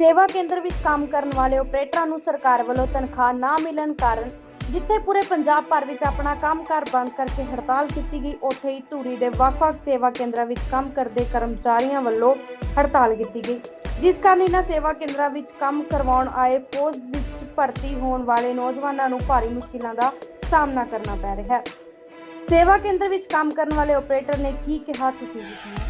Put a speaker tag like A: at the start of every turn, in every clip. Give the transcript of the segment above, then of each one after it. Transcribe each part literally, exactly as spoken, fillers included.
A: सेवा केंद्र विच काम करने वाले ऑपरेटरां नूं सरकार वल्लों तनख्वाह ना मिलण कारण जिथे पूरे पंजाब भर विच अपना कामकार बंद करके हड़ताल की गई, उत्थे ही धूरी दे वख-वख सेवा केंद्रां विच काम करदे कर्मचारियों वल्लों हड़ताल की गई, जिस कारण इन्हां सेवा केंद्रां विच काम करवाउण आए फौज विच भर्ती होण वाले नौजवानां नूं भारी मुश्किलां दा सामना करना पै रिहा है। सेवा केंद्र विच काम करने वाले ऑपरेटर ने की कहा, तुसीं भी सुणो।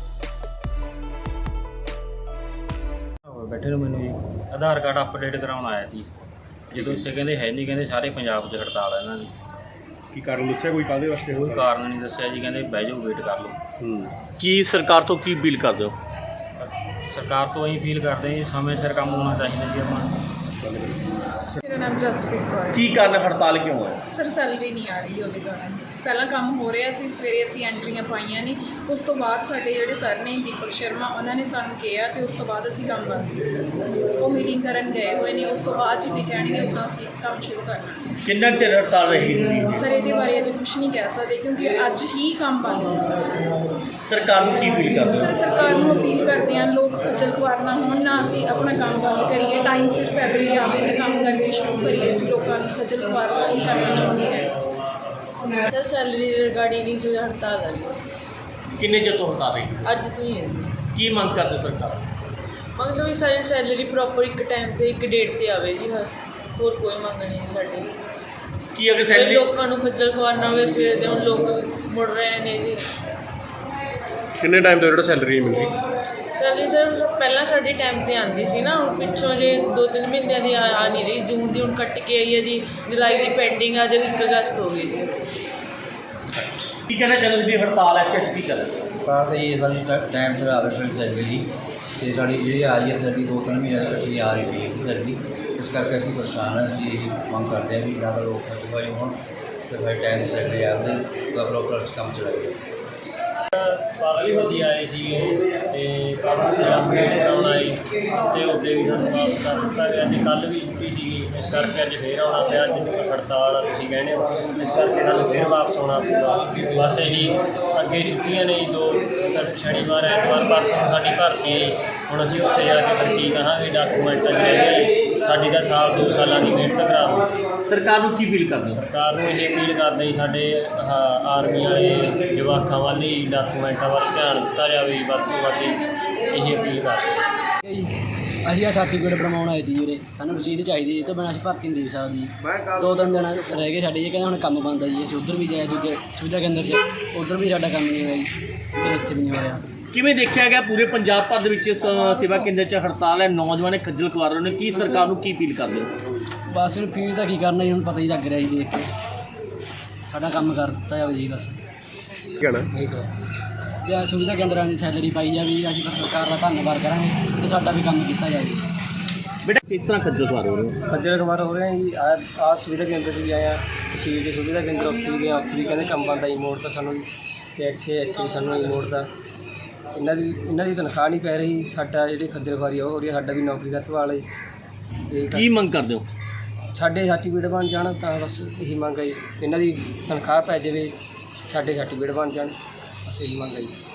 B: बैठे ਨੂੰ ਮੈਨੂੰ ਜੀ ਆਧਾਰ ਕਾਰਡ ਅਪਡੇਟ ਕਰਾਉਣ ਆਇਆ ਸੀ, ਜਦੋਂ ਇੱਥੇ ਕਹਿੰਦੇ ਹੈ ਨਹੀਂ, ਕਹਿੰਦੇ ਸਾਰੇ ਪੰਜਾਬ 'ਚ ਹੜਤਾਲ ਹੈ ਇਹਨਾਂ ਦੀ।
C: ਕੀ ਕਾਰਨ ਦੱਸਿਆ ਕੋਈ ਕਾਹਦੇ ਵਾਸਤੇ?
B: ਕੋਈ ਕਾਰਨ ਨਹੀਂ ਦੱਸਿਆ ਜੀ, ਕਹਿੰਦੇ ਬਹਿ ਜਾਓ ਵੇਟ ਕਰ ਲਓ।
C: ਹੂੰ ਕੀ ਸਰਕਾਰ ਤੋਂ ਕੀ ਅਪੀਲ ਕਰਦੇ ਹੋ?
B: ਸਰਕਾਰ ਤੋਂ ਅਸੀਂ ਅਪੀਲ ਕਰਦੇ ਹਾਂ ਜੀ, ਸਮੇਂ ਸਿਰ ਕੰਮ ਹੋਣਾ ਚਾਹੀਦਾ ਜੀ। ਆਪਾਂ
D: मेरा नाम जसप्रीत कौर है।
C: ਕੀ ਕਾਰਨ ਹੜਤਾਲ ਕਿਉਂ ਹੈ?
D: सर सैलरी नहीं आ रही ਉਹਦੇ ਕਾਰਨ। ਪਹਿਲਾਂ ਕੰਮ ਹੋ ਰਿਹਾ ਸੀ, ਸਵੇਰੇ ਅਸੀਂ ਐਂਟਰੀਆਂ ਪਾਈਆਂ ਨਹੀਂ, ਉਸ ਤੋਂ ਬਾਅਦ ਸਾਡੇ ਜਿਹੜੇ ਸਰ ਨੇ ਦੀਪਕ ਸ਼ਰਮਾ ਉਹਨਾਂ ਨੇ ਸਾਨੂੰ ਕਿਹਾ ਤੇ ਉਸ ਤੋਂ ਬਾਅਦ ਅਸੀਂ ਕੰਮ ਬੰਦ ਕੀਤਾ। ਉਹ ਮੀਟਿੰਗ ਕਰਨ ਗਏ ਹੋਏ ਨੇ, ਉਸ ਤੋਂ ਬਾਅਦ ਜੀ ਵੀ ਕਹਿਣਗੇ ਉਦੋਂ ਅਸੀਂ ਕੰਮ ਸ਼ੁਰੂ ਕਰਨਾ।
C: ਕਿੰਨਾ ਚਿਰ ਹੜਤਾਲ ਰਹੇਗੀ?
D: ਸਰ ਇਹਦੇ ਬਾਰੇ ਅੱਜ ਕੁਝ ਨਹੀਂ ਕਹਿ ਸਕਦੇ ਕਿਉਂਕਿ ਅੱਜ ਹੀ ਕੰਮ ਬੰਦ ਕੀਤਾ।
C: ਸਰਕਾਰ ਨੂੰ ਕੀ ਅਪੀਲ ਕਰਦੇ ਹੋ?
D: ਸਰ ਸਰਕਾਰ ਨੂੰ ਅਪੀਲ ਕਰਦੇ ਹਾਂ, ਲੋਕ ਖੱਜਲ ਖੁਆਰ ਨਾ ਹੋਣ, ਨਾ ਅਸੀਂ ਆਪਣਾ ਕੰਮ ਬੰਦ ਕਰੀਏ, ਟਾਈਮ ਸਿਰ ਸੈਲਰੀ ਆਵੇ ਤੇ ਕੰਮ ਕਰਕੇ ਸ਼ੁਰੂ ਕਰੀਏ। ਅਸੀਂ ਲੋਕਾਂ ਨੂੰ ਖੱਜਲ ਖੁਆਰ ਨਹੀਂ ਕਰਨਾ ਚਾਹੁੰਦੇ ਹਾਂ।
E: सर सैलरी रिगार्डिंग नहीं से हड़ताल है
C: ਕਿੰਨੇ ਚਿਰ ਤੋਂ ਹੜਤਾਲ ਰਹੀ?
E: अज तो ही है जी।
C: ਕੀ ਮੰਗ ਕਰਦੇ ਹੋ ਸਰਕਾਰ?
E: मंग भी सारी सैलरी प्रॉपर एक टाइम ਤੇ एक डेट ਤੇ ਆਵੇ ਜੀ, ਬਸ ਹੋਰ ਕੋਈ ਮੰਗ ਨਹੀਂ ਸਾਡੀ।
C: ਕੀ ਅਗਰ
E: ਤੇ
C: ਸੈਲਰੀ
E: ਲੋਕਾਂ ਨੂੰ ਖੱਜਲ ਖੁਆਰ ਨਾ ਹੋਵੇ, ਸਵੇਰ ਦੇ ਹੁਣ ਲੋਕ ਮੁੜ ਰਹੇ ਨੇ ਜੀ।
C: ਕਿੰਨੇ ਟਾਈਮ ਤੋਂ ਜਿਹੜਾ ਸੈਲਰੀ ਮਿਲ ਰਹੀ?
E: ਸੈਲਰੀ ਸਰ ਪਹਿਲਾਂ ਸਾਡੀ ਟਾਈਮ ਤੇ ਆਉਂਦੀ ਸੀ ਨਾ, ਹੁਣ ਪਿੱਛੋਂ ਜੇ ਦੋ ਤਿੰਨ ਮਹੀਨਿਆਂ ਦੀ ਆ ਆ ਨਹੀਂ ਰਹੀ। ਜੂਨ ਦੀ ਹੁਣ ਕੱਟ ਕੇ ਆਈ ਹੈ ਜੀ, ਜੁਲਾਈ ਦੀ ਪੈਂਡਿੰਗ ਆ, ਜੇ ਇੱਕ ਅਗਸਤ ਹੋ ਗਈ ਜੀ।
C: ਕੀ ਕਹਿਣਾ ਚਾਹੁੰਦੇ ਤੁਸੀਂ? ਹੜਤਾਲ ਹੈ ਕਿ ਕੀ ਕਰ
F: ਸਰਕਾਰ ਤਾਂ ਇਹ ਸਾਡੀ ਟਾਈਮ ਸਿਰ ਆਵੇ ਫਿਰ ਸੈਲਰੀ, ਅਤੇ ਸਾਡੀ ਜਿਹੜੀ ਆ ਰਹੀ ਹੈ ਸਾਡੀ ਦੋ ਤਿੰਨ ਮਹੀਨੇ ਇਕੱਠੀ ਆ ਰਹੀ ਰਹੀ ਹੈ ਸੈਲਰੀ। ਇਸ ਕਰਕੇ ਅਸੀਂ ਪਰੇਸ਼ਾਨ ਹਾਂ। ਅਸੀਂ ਇਹ ਮੰਗ ਕਰਦੇ ਹਾਂ ਵੀ ਜ਼ਿਆਦਾ ਲੋਕ ਖਰਚਵਾਈ ਹੋਣ ਅਤੇ ਸਾਡੇ ਟਾਈਮ ਦੀ ਸੈਲਰੀ ਆਵੇ ਤਾਂ ਪ੍ਰੋਪਰ ਅਸੀਂ ਕੰਮ ਚਲਾਈਏ।
B: ਪਰਸੋਂ ਅਸੀਂ ਆਏ ਸੀ ਤੇ ਪਰਸੋਂ ਅਸੀਂ ਅਪਡੇਟ ਕਰਾਉਣ ਆਏ ਤੇ ਉਹਦੇ ਵੀ ਸਾਨੂੰ ਵਾਪਸ ਕਰ ਦਿੱਤਾ ਗਿਆ ਤੇ ਕੱਲ੍ਹ ਵੀ ਛੁੱਟੀ ਸੀਗੀ, ਇਸ ਕਰਕੇ ਅੱਜ ਫੇਰ ਆਉਣਾ ਪਿਆ। ਅੱਜ ਹੜਤਾਲ ਆ ਤੁਸੀਂ ਕਹਿੰਦੇ ਹੋ, ਇਸ ਕਰਕੇ ਸਾਨੂੰ ਫੇਰ ਵਾਪਸ ਆਉਣਾ ਪਿਆ। ਬਸ ਇਹੀ ਅੱਗੇ ਛੁੱਟੀਆਂ ਨੇ ਜੀ, ਦੋ ਸ਼ਨੀਵਾਰ ਐਤਵਾਰ ਪਰਸੋਂ ਸਾਡੀ ਭਰਤੀ ਹੈ। ਹੁਣ ਅਸੀਂ ਉੱਥੇ ਜਾ ਕੇ ਫਿਰ ਕੀ ਕਹਾਂਗੇ? ਡਾਕੂਮੈਂਟ ਜਿਹੜੇ ਸਾਡੀ ਦਾ ਸਾਲ ਦੋ ਸਾਲਾਂ ਦੀ ਮਿਹਨਤ ਕਰਾਉਂ।
C: ਸਰਕਾਰ ਨੂੰ ਕੀ ਅਪੀਲ ਕਰਦੇ ਹੋ?
B: ਸਰਕਾਰ ਨੂੰ ਇਹ ਅਪੀਲ ਕਰਦੇ ਜੀ, ਸਾਡੇ ਆਹ ਆਰਮੀ ਵਾਲੇ ਜਵਾਕਾਂ ਵੱਲ ਹੀ ਡਾਕੂਮੈਂਟਾਂ ਵੱਲ ਧਿਆਨ ਦਿੱਤਾ ਜਾਵੇ। ਵੱਧ ਤੋਂ ਵੱਧ ਇਹ ਅਪੀਲ ਕਰਦੇ
G: ਅਸੀਂ ਆ ਸਰਟੀਫਿਕੇਟ ਬਣਵਾਉਣ ਆਏ ਸੀ ਵੀਰੇ, ਸਾਨੂੰ ਰਸੀਦ ਚਾਹੀਦੀ, ਇਹ ਤੋਂ ਬਿਨਾਂ ਅਸੀਂ ਭਰਤੀ ਨਹੀਂ ਦੇ ਸਕਦੇ। ਦੋ ਤਿੰਨ ਦਿਨ ਰਹਿ ਗਏ ਸਾਡੇ, ਇਹ ਕਹਿੰਦੇ ਹੁਣ ਕੰਮ ਬੰਦ ਆ ਜੀ। ਅਸੀਂ ਉੱਧਰ ਵੀ ਜਾਏ ਦੂਜੇ ਸੁਵਿਧਾ ਕੇਂਦਰ 'ਚ, ਉੱਧਰ ਵੀ ਸਾਡਾ ਕੰਮ ਨਹੀਂ ਹੋਇਆ ਜੀ, ਤੇ ਇੱਥੇ ਵੀ ਨਹੀਂ ਹੋਇਆ।
C: ਕਿਵੇਂ ਦੇਖਿਆ ਗਿਆ ਪੂਰੇ ਪੰਜਾਬ ਭਰ ਦੇ ਵਿੱਚ ਸ- ਸੇਵਾ ਕੇਂਦਰ 'ਚ ਹੜਤਾਲ ਹੈ, ਨੌਜਵਾਨ ਖੱਜਲ ਖੁਆਰ ਰਹੇ ਨੇ? ਕੀ ਸਰਕਾਰ ਨੂੰ ਕੀ ਅਪੀਲ ਕਰਦੇ ਹੋ?
G: ਬਸ ਹੁਣ ਫੀਲ ਤਾਂ ਕੀ ਕਰਨਾ ਜੀ, ਹੁਣ ਪਤਾ ਹੀ ਲੱਗ ਰਿਹਾ ਜੀ ਦੇਖ ਕੇ। ਸਾਡਾ ਕੰਮ ਕਰ ਦਿੱਤਾ ਜਾਵੇ ਜੀ ਬਸ।
C: ਕਹਿਣਾ
G: ਜਾਂ ਸੁਵਿਧਾ ਕੇਂਦਰਾਂ ਦੀ ਸੈਲਰੀ ਪਾਈ ਜਾਵੇ, ਅਸੀਂ ਤਾਂ ਸਰਕਾਰ ਦਾ ਧੰਨਵਾਦ ਕਰਾਂਗੇ ਤੇ ਸਾਡਾ ਵੀ ਕੰਮ ਕੀਤਾ ਜਾਵੇ।
C: ਬੇਟਾ ਕਿਸ ਤਰ੍ਹਾਂ ਖੱਜਲ ਖੁਆਰ ਹੋ ਰਹੇ ਹੋ?
G: ਖੱਜਲ ਖੁਆਰ ਹੋ ਰਹੇ ਜੀ। ਆ ਆ ਸੁਵਿਧਾ ਕੇਂਦਰ 'ਚ ਵੀ ਆਇਆ, ਤਹਿਸੀਲ 'ਚ ਸੁਵਿਧਾ ਕੇਂਦਰ ਉੱਥੇ ਵੀ ਗਿਆ, ਉੱਥੇ ਵੀ ਕਹਿੰਦੇ ਕੰਮ ਬੰਦ ਆ ਜੀ, ਮੋੜ ਤਾਂ ਸਾਨੂੰ ਜੀ। ਅਤੇ ਇੱਥੇ ਇੱਥੇ ਵੀ ਸਾਨੂੰ ਮੋੜ ਦਾ ਇਹਨਾਂ ਦੀ ਇਹਨਾਂ ਦੀ ਤਨਖਾਹ ਨਹੀਂ ਪੈ ਰਹੀ। ਸਾਡਾ ਜਿਹੜੀ ਖੱਜਲ ਖੁਆਰੀ ਉਹ ਹੋ ਰਹੀ ਹੈ, ਸਾਡਾ ਵੀ ਨੌਕਰੀ ਦਾ ਸਵਾਲ ਹੈ ਜੀ।
C: ਕੀ ਮੰਗ ਕਰਦੇ ਹੋ?
G: ਸਾਡੇ ਸਰਟੀਫਿਕੇਟ ਬਣ ਜਾਣ ਤਾਂ ਬਸ ਇਹੀ ਮੰਗ ਹੈ ਜੀ। ਇਹਨਾਂ ਦੀ ਤਨਖਾਹ ਪੈ ਜਾਵੇ, ਸਾਡੇ ਸਰਟੀਫਿਕੇਟ ਬਣ ਜਾਣ, ਬਸ ਇਹੀ ਮੰਗ ਹੈ ਜੀ।